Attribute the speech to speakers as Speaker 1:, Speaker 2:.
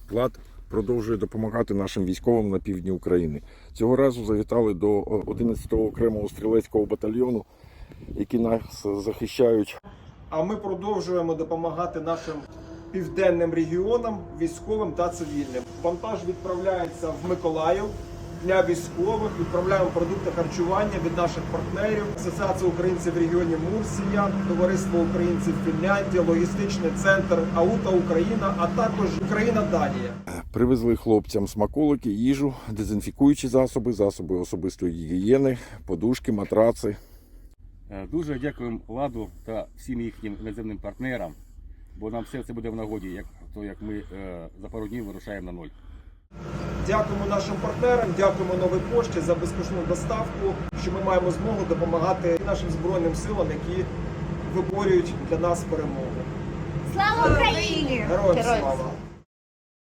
Speaker 1: ЛАД продовжує допомагати нашим військовим на півдні України. Цього разу завітали до 11-го окремого стрілецького батальйону, які нас захищають.
Speaker 2: А ми продовжуємо допомагати нашим південним регіонам, військовим та цивільним. Вантаж відправляється в Миколаїв для військових. Відправляємо продукти харчування від наших партнерів. Асоціація українців в регіоні Мурсія, Товариство українців Фінляндія, логістичний центр АУТА Україна, а також Україна-Данія.
Speaker 1: Привезли хлопцям смаколики, їжу, дезінфікуючі засоби, засоби особистої гігієни, подушки, матраци.
Speaker 3: Дуже дякуємо ЛАДу та всім їхнім іноземним партнерам, бо нам все це буде в нагоді, як ми за пару днів вирушаємо на ноль.
Speaker 2: Дякуємо нашим партнерам, дякуємо Новій пошті за безкоштовну доставку, що ми маємо змогу допомагати нашим Збройним силам, які виборюють для нас перемогу.
Speaker 4: Слава Україні!
Speaker 2: Героям слава!